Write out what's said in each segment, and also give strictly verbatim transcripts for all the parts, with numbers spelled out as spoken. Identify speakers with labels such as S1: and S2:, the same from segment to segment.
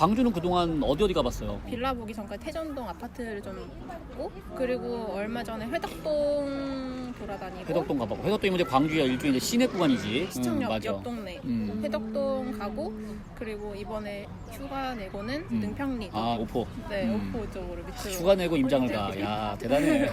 S1: 광주는 그동안 어디 어디 가봤어요?
S2: 빌라 보기 전까지 태전동 아파트를 좀 보고, 그리고 얼마 전에 회덕동 돌아다니고.
S1: 회덕동 가보고. 회덕동이 이제 광주의 일종의 이제 시내 구간이지.
S2: 시청역
S1: 음, 맞아.
S2: 옆 동네.
S1: 음.
S2: 회덕동 가고, 그리고 이번에 휴가 내고는
S1: 음.
S2: 능평리.
S1: 아 오포.
S2: 네,
S1: 음.
S2: 오포 쪽으로 밑으로.
S1: 휴가 내고 임장을 가. 야 대단해.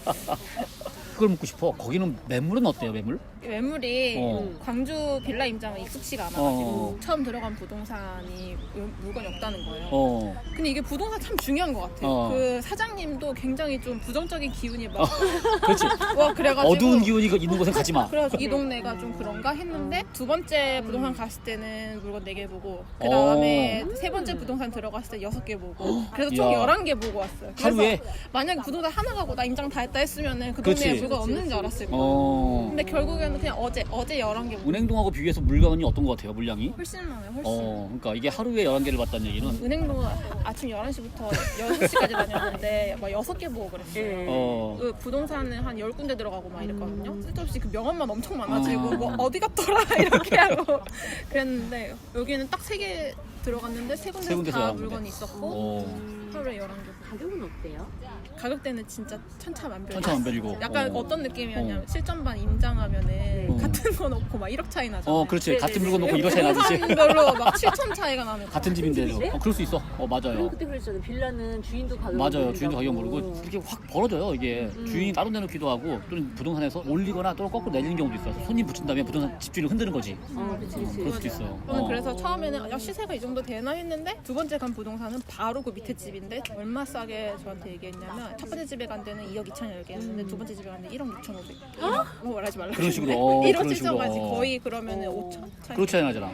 S1: 그걸 묻고 싶어. 거기는 매물은 어때요, 매물?
S2: 매물이
S1: 어.
S2: 광주 빌라 임장은 익숙치가 않아가지고
S1: 어.
S2: 처음 들어간 부동산이 물건이 없다는 거예요.
S1: 어.
S2: 근데 이게 부동산 참 중요한 것 같아요.
S1: 어.
S2: 그 사장님도 굉장히 좀 부정적인 기운이 막
S1: 그렇지.
S2: 와 그래가지고
S1: 어두운 기운이 있는 곳은 가지 마.
S2: 그래가지고 이 동네가 좀 그런가 했는데 두 번째 부동산 갔을 때는 물건 네 개 보고 그 다음에
S1: 어.
S2: 세 번째 부동산 들어갔을 때 여섯 개 보고 그래서 총
S1: 이야.
S2: 열한 개 보고 왔어요. 그래서
S1: 하루에?
S2: 만약에 부동산 하나 가고 나 임장 다 했다 했으면은 그
S1: 그치.
S2: 동네에 물건 없는 줄 알았을 거예요.
S1: 어.
S2: 근데 결국에는 그냥 어제 어제 열한 개 보고
S1: 은행동하고 비교해서 물건이 어떤 것 같아요, 물량이?
S2: 훨씬 많아요. 훨씬.
S1: 어. 그러니까 이게 하루에 열한 개를 봤다는 얘기는
S2: 은행도 아침 열한 시부터 여섯 시까지 다녔는데 막 여섯 개 보고 그랬어요.
S1: 어.
S2: 그 부동산은 한 열 군데 들어가고 막 이랬거든요. 쓸데없이 그 명함만 엄청 많아지고
S1: 어.
S2: 뭐 어디 갔더라 이렇게 하고 그랬는데 여기는 딱 세 개 들어갔는데 세
S1: 세
S2: 군데서
S1: 군데서
S2: 다
S1: 열한 군데.
S2: 물건이 있었고
S1: 어.
S2: 하루에 열한 개.
S3: 가격은 어때요?
S2: 가격대는 진짜 천차만별.
S1: 천차만별이고.
S2: 약간
S1: 어.
S2: 어. 떤 느낌이었냐면 실전반 임장하면은
S1: 어.
S2: 같은 거 놓고 막 일억 차이 나잖아요.
S1: 어, 그렇지.
S3: 네네네.
S1: 같은 물건 놓고 이거 차이 나듯이.
S2: 부동산별로 막 칠천 차이가 나는 거.
S1: 같은 집인데도.
S3: 집인데?
S1: 어, 그럴 수 있어. 어,
S3: 그리고
S1: 맞아요.
S3: 그때 그랬잖아요. 빌라는 주인도 가격
S1: 맞아요. 주인도 가격 모르고 그렇게 확 벌어져요. 이게
S3: 음.
S1: 주인이 따로 내놓기도 하고 또는 부동산에서 올리거나 또는 거꾸로 내리는 경우도 있어요. 손님 붙인 다음에 부동산 집주인을 흔드는 거지.
S3: 어, 그치,
S1: 어,
S3: 그치.
S1: 그럴 수도 있어요.
S2: 저는
S1: 어.
S2: 그래서 처음에는 야 시세가 이 정도 되나 했는데 두 번째 간 부동산은 바로 그 밑에 집인데 얼마 싸게 저한테 얘기했냐면 첫 번째 집에 간 데는 이억 이천을 얘기했는데 두 번째 집에 갔는데 일억 육천오백. 어? 뭐 말하지 말라.
S1: 그런 식으로. 어,
S2: 일억
S1: 그런 식으로.
S2: 찢어가지
S1: 어.
S2: 거의 그러면은
S3: 어.
S2: 오천 차이.
S1: 그렇지 않아잖아.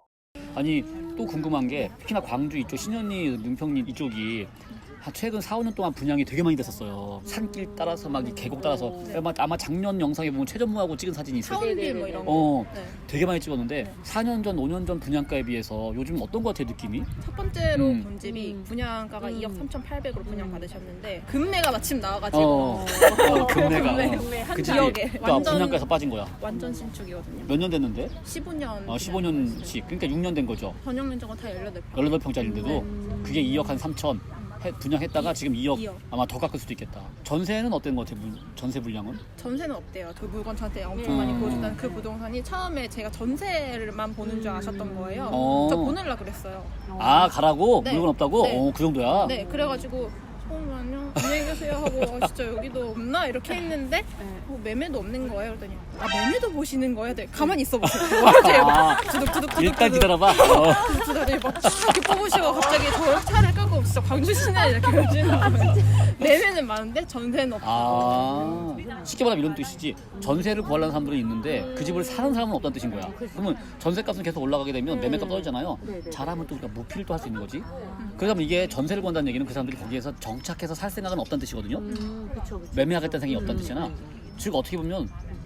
S1: 아니 또 궁금한 게 특히나 광주 이쪽 신현리 능평리 이쪽이 한 최근 사, 오 년 동안 분양이 되게 많이 됐었어요. 산길 따라서 막 이 계곡 따라서 아마, 아마 작년 영상에 보면 최전무하고 찍은 사진이 있어요.
S2: 사원빌 뭐 이런 거.
S1: 어,
S2: 네.
S1: 되게 많이 찍었는데 사 년 전, 오 년 전 분양가에 비해서 요즘 어떤 것 같아요, 느낌이?
S2: 첫 번째로
S1: 음.
S2: 본 집이
S3: 음.
S2: 분양가가
S3: 음.
S2: 이억 삼천팔백으로 분양 받으셨는데 금매가 마침 나와가지고
S1: 어, 어 금매가.
S2: 금매,
S1: 어.
S3: 금매 한
S1: 그치?
S2: 지역에
S1: 그러니까
S2: 완전-
S1: 분양가에서 빠진 거야.
S2: 완전 신축이거든요.
S1: 몇 년 됐는데?
S2: 십오 년.
S1: 어, 십오 년씩. 그러니까 육 년 된 거죠.
S2: 전용 면적은 다 열여덟 평.
S1: 열여덟 평짜리인데도
S3: 음.
S1: 그게 이억 한 삼천 해- 분양했다가 지금 이억
S2: 이억.
S1: 아마 더 깎을 수도 있겠다. 전세는 어떤 것 같아요? 물- 전세 물량은?
S2: 전세는 없대요. 그 물건 저한테 엄청
S1: 음.
S2: 많이 보여준다는 그 부동산이 처음에 제가 전세를만 보는 줄 아셨던 거예요.
S1: 어.
S2: 저 보내려고 그랬어요.
S1: 아 가라고?
S2: 네.
S1: 물건 없다고?
S2: 네.
S1: 어, 그 정도야?
S2: 네, 그래가지고 잠깐만요. 안녕히 계세요 하고 아, 진짜 여기도 없나 이렇게 했는데 어, 매매도 없는 거예요. 그랬더니 아 매매도 보시는 거예요? 네, 가만히 있어 보세요.
S1: 아,
S2: 두둑두둑두둑
S1: 일단 기다려봐. 어.
S2: 두둑두둑 막 이렇게 뽑으시고 갑자기 저 차를 끌고 진짜 광주 시내 이렇게 오시는 거예요. 매매는 많은데 전세는 없고.
S1: 아 쉽게 말하면 이런 뜻이지. 전세를 구하려는 사람들은 있는데 그 집을 사는 사람은 없다는 뜻인 거야. 그러면 전세값은 계속 올라가게 되면 매매값 떨어지잖아요.
S3: 네네.
S1: 잘하면 또 우리가 무필도 할 수 있는 거지. 그러면 이게 전세를 구한다는 얘기는 그 사람들이 거기에서 정착해서 살 생각은 없다는 뜻이거든요.
S3: 음, 그쵸, 그쵸.
S1: 매매하겠다는 생각이 없다는
S3: 음,
S1: 뜻이잖아.
S3: 음,
S1: 즉 어떻게 보면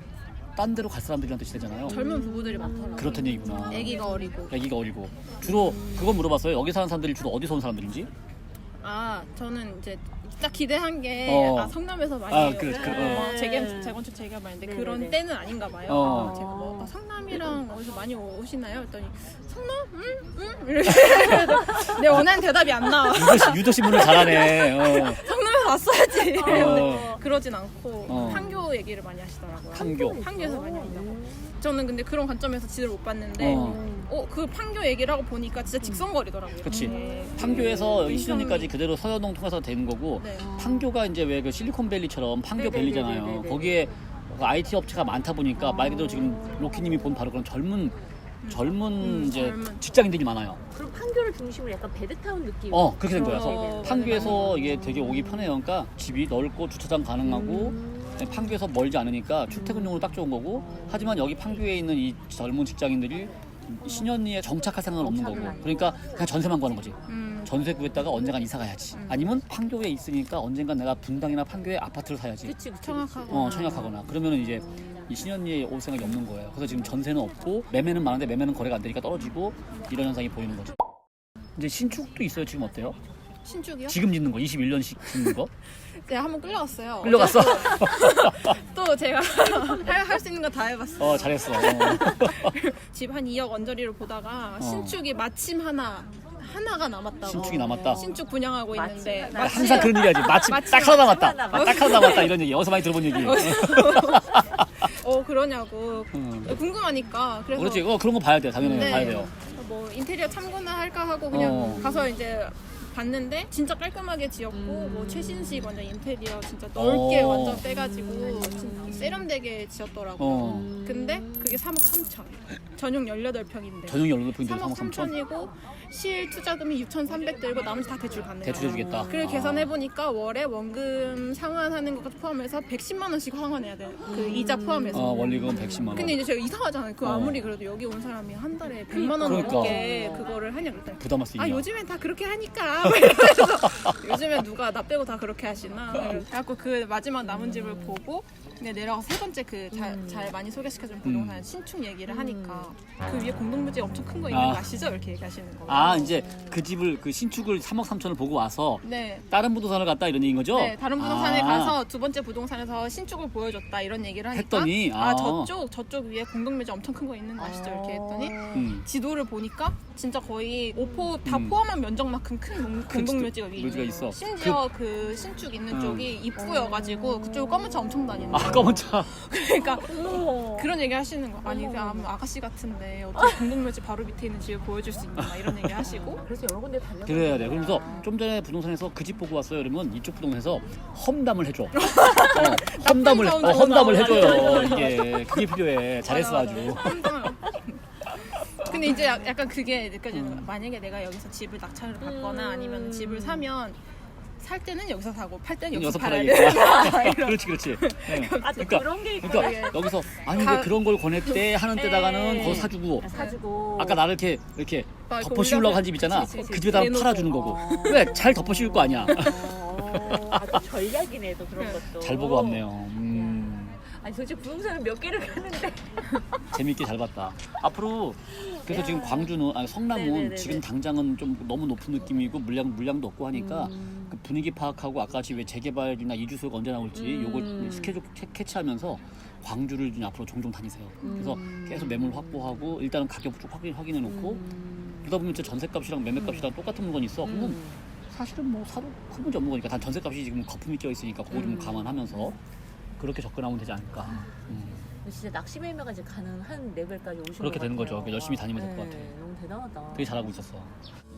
S1: 딴 데로 갈 사람들이란 뜻이 되잖아요.
S2: 젊은 부부들이 많더라고요.
S1: 그렇다는 얘기구나.
S2: 아기가 어리고.
S1: 아기가 어리고. 주로 그건 물어봤어요. 여기 사는 사람들이 주로 어디서 온 사람들인지?
S2: 아 저는 이제 딱 기대한 게
S1: 어.
S2: 아, 성남에서 많이
S1: 아, 그래, 그래,
S2: 어,
S3: 어.
S2: 재건, 재건축 재개발 많이 했는데
S3: 네,
S2: 그런
S3: 네.
S2: 때는 아닌가 봐요.
S1: 어.
S2: 제가 뭐 아, 성남이랑 어디서 많이 오시나요? 했더니 성남? 응? 응? 이렇게 내 원하는 대답이 안 나와.
S1: 유도시, 유도신문을 잘하네. 어.
S2: 성남에서 왔어야지.
S1: 어.
S2: 그러진 않고
S1: 어.
S2: 판교 얘기를 많이 하시더라고요.
S1: 판교.
S2: 판교에서 많이 한다고. 저는 근데 그런 관점에서 지도를 못 봤는데
S1: 어.
S2: 어, 그 판교 얘기를 하고 보니까 진짜 직선거리더라고요.
S1: 그치.
S2: 네.
S1: 판교에서
S2: 음,
S1: 신현리까지 그대로 서현동 통해서 되는 거고
S2: 네.
S1: 판교가 이제 왜 그 실리콘밸리처럼 판교
S3: 네네네네네네.
S1: 밸리잖아요. 거기에 아이티 업체가 많다 보니까 말 그대로 지금 로키님이 본 바로 그런 젊은 젊은
S2: 음,
S1: 이제
S2: 젊은.
S1: 직장인들이 많아요.
S3: 그럼 판교를 중심으로 약간 베드타운 느낌.
S1: 어 그렇게 된 거야.
S2: 어,
S1: 그래서
S2: 네,
S1: 판교에서 이게 되게 오기 편해요. 그러니까 집이 넓고 주차장 가능하고
S3: 음.
S1: 판교에서 멀지 않으니까 출퇴근용으로 딱 좋은 거고 하지만 여기 판교에 있는 이 젊은 직장인들이 신현리에 정착할 생각은 없는 거고 그러니까 그냥 전세만 구하는 거지.
S2: 음.
S1: 전세 구했다가 언젠간 이사 가야지.
S2: 음.
S1: 아니면 판교에 있으니까 언젠간 내가 분당이나 판교에 아파트를 사야지.
S3: 그치, 그치.
S2: 청약하고.
S1: 어, 청약하거나. 그러면은 이제 이 신현리에 올 생각이 없는 거예요. 그래서 지금 전세는 없고 매매는 많은데 매매는 거래가 안 되니까 떨어지고 이런 현상이 보이는 거죠. 이제 신축도 있어요. 지금 어때요?
S2: 신축이요?
S1: 지금 짓는 거 이십일 년씩 짓는 거?
S2: 제가 한번 끌려갔어요.
S1: 끌려갔어?
S2: 또 제가 할 수 있는 거 다 해봤어요.
S1: 어 잘했어. 어.
S2: 집 한 이억 언저리로 보다가
S1: 어.
S2: 신축이 마침 하나 하나가 남았다고.
S1: 신축이 남았다.
S2: 신축 분양하고
S3: 마치
S2: 있는데
S3: 하나.
S2: 마치
S1: 항상 그런 얘기하지. 마침
S2: 마치
S1: 딱 하나 남았다.
S3: 하나
S1: 아, 딱 하나 남았다 이런 얘기 어디서 많이 들어본 얘기.
S2: 어 그러냐고
S1: 음.
S2: 궁금하니까 그래서
S1: 그렇지. 어 그런 거 봐야 돼. 당연히
S2: 네.
S1: 봐야 돼요.
S2: 뭐 인테리어 참고나 할까 하고 그냥
S1: 어.
S2: 가서 이제 봤는데 진짜 깔끔하게 지었고
S3: 음.
S2: 뭐 최신식 완전 인테리어 진짜 넓게
S1: 어.
S2: 완전 빼가지고 진짜 세련되게 지었더라고요.
S1: 어.
S2: 근데 그게 삼억 삼천 전용 열여덟 평인데
S1: 전용 연료도 포인트
S2: 삼억
S1: 삼억 삼천
S2: 삼천이고 실 투자금이 육천삼백 들고 나머지 다 대출 가능해요.
S1: 대출 해주겠다.
S2: 그걸
S1: 아.
S2: 계산해보니까 월에 원금 상환하는 것까지 포함해서 백십만 원씩 상환해야 돼요. 그 이자 포함해서.
S1: 어, 원리금 백십만 원.
S2: 근데 이제 제가 이상하잖아요. 그
S1: 어.
S2: 아무리 그래도 여기 온 사람이 한 달에 백만 원
S1: 그러니까.
S2: 넘게 그거를 하냐 그랬더니
S1: 부담할 수 있냐?
S2: 아 요즘엔 다 그렇게 하니까 이러면서 요즘엔 누가 나 빼고 다 그렇게 하시나 그래갖고 그 마지막 남은 집을 보고 근데 내려가서 세 번째 그 잘 많이 소개시켜준 부동산
S1: 음.
S2: 신축 얘기를 하니까 그 위에 공동묘지 엄청 큰 거 있는
S1: 아.
S2: 거 아시죠? 이렇게 얘기하시는 거예요.
S1: 아 이제 그 집을 그 신축을 삼억 삼천을 보고 와서
S2: 네.
S1: 다른 부동산을 갔다 이런 얘기인 거죠?
S2: 네, 다른 부동산에
S1: 아.
S2: 가서 두 번째 부동산에서 신축을 보여줬다 이런 얘기를 하니까
S1: 했더니,
S2: 아,
S1: 아.
S2: 저쪽 저쪽 위에 공동묘지 엄청 큰 거 있는 거 아시죠? 이렇게 했더니
S1: 음.
S2: 지도를 보니까 진짜 거의 오포 다
S1: 음.
S2: 포함한 면적만큼 큰 공-
S1: 큰
S2: 공동묘지가 위에
S1: 묘지가
S2: 있는
S1: 있어.
S2: 심지어 그, 신축 있는
S1: 음.
S2: 쪽이 입구여가지고 그쪽 검은 차 엄청 다니는
S1: 아
S2: 거예요.
S1: 검은 차.
S2: 그러니까
S3: 어머.
S2: 그런 얘기 하시는 거 아니 그 아무 아가씨 같은데 어떻게 공동묘지 바로 밑에 있는 집을 보여줄 수 있나 막 이런 얘기 하시고
S3: 그래서 여러 군데 달려.
S1: 그래야 돼. 그러면서 좀 전에 부동산에서 그 집 보고 왔어요. 그러면 이쪽 부동산에서 험담을 해줘. 어, 험담을
S2: 사운
S1: 어, 험담을
S2: 나오고
S1: 해줘요.
S2: 나오고.
S1: 이게 그게 필요해. 잘했어
S2: 맞아,
S1: 아주.
S2: 맞아. 근데 이제 약- 약간 그게 느껴지는 거야. 만약에 내가 여기서 집을 낙찰을 받거나
S3: 음.
S2: 아니면 집을 사면 살 때는 여기서 사고 팔 때는
S1: 여기서
S2: 여기서 팔아야
S1: 팔아야겠다.
S2: 돼.
S1: 그렇지 그렇지. 네.
S3: 아, 또
S1: 그러니까
S3: 그런 게 있고.
S1: 그러니까 여기서 아니 왜
S2: 가-
S1: 그런 걸 권했대 하는 데다가는
S3: 네.
S1: 거기서 사주고
S3: 사주고.
S1: 아까 나를 이렇게 이렇게
S2: 막 이렇게
S1: 덮어 씌우려고
S2: 올려서-
S1: 한 집 있잖아.
S2: 그치, 그치,
S1: 그 집에다가
S2: 내놓고.
S1: 팔아주는 거고.
S3: 어.
S1: 왜 잘 덮어 씌울 거 아니야.
S3: 어, 아, 또 전략이네, 또 그런
S2: 네.
S3: 것도.
S1: 잘 보고 왔네요. 음.
S3: 아니, 도대체 부동산을 몇 개를 가는데.
S1: 재밌게 잘 봤다. 앞으로 그래서
S3: 야.
S1: 지금 광주는 아니 성남은
S3: 네네네네.
S1: 지금 당장은 좀 너무 높은 느낌이고 물량 물량도 없고 하니까
S3: 음.
S1: 그 분위기 파악하고 아까 같이 왜 재개발이나 이주소가 언제 나올지
S3: 음.
S1: 요걸 스케줄 캐- 캐치하면서 광주를 좀 앞으로 종종 다니세요. 그래서
S3: 음.
S1: 계속 매물 확보하고 일단은 가격 쭉 확인 확인해 놓고
S3: 음.
S1: 그러다 보면 진짜 전세값이랑 매매값이랑 똑같은 물건이 있어. 그러면
S3: 음.
S1: 사실은 뭐 사도 큰 문제 없는 거니까 단 전세값이 지금 거품이 껴 있으니까 그거 좀
S3: 음.
S1: 감안하면서 그렇게 접근하면 되지 않을까. 음.
S3: 진짜 낚시 매매가 이제 가능한 레벨까지 오신
S1: 그렇게
S3: 것
S1: 되는
S3: 같아요.
S1: 거죠. 열심히 다니면 될 것
S3: 네,
S1: 같아요.
S3: 너무 대단하다.
S1: 되게 잘하고 있었어.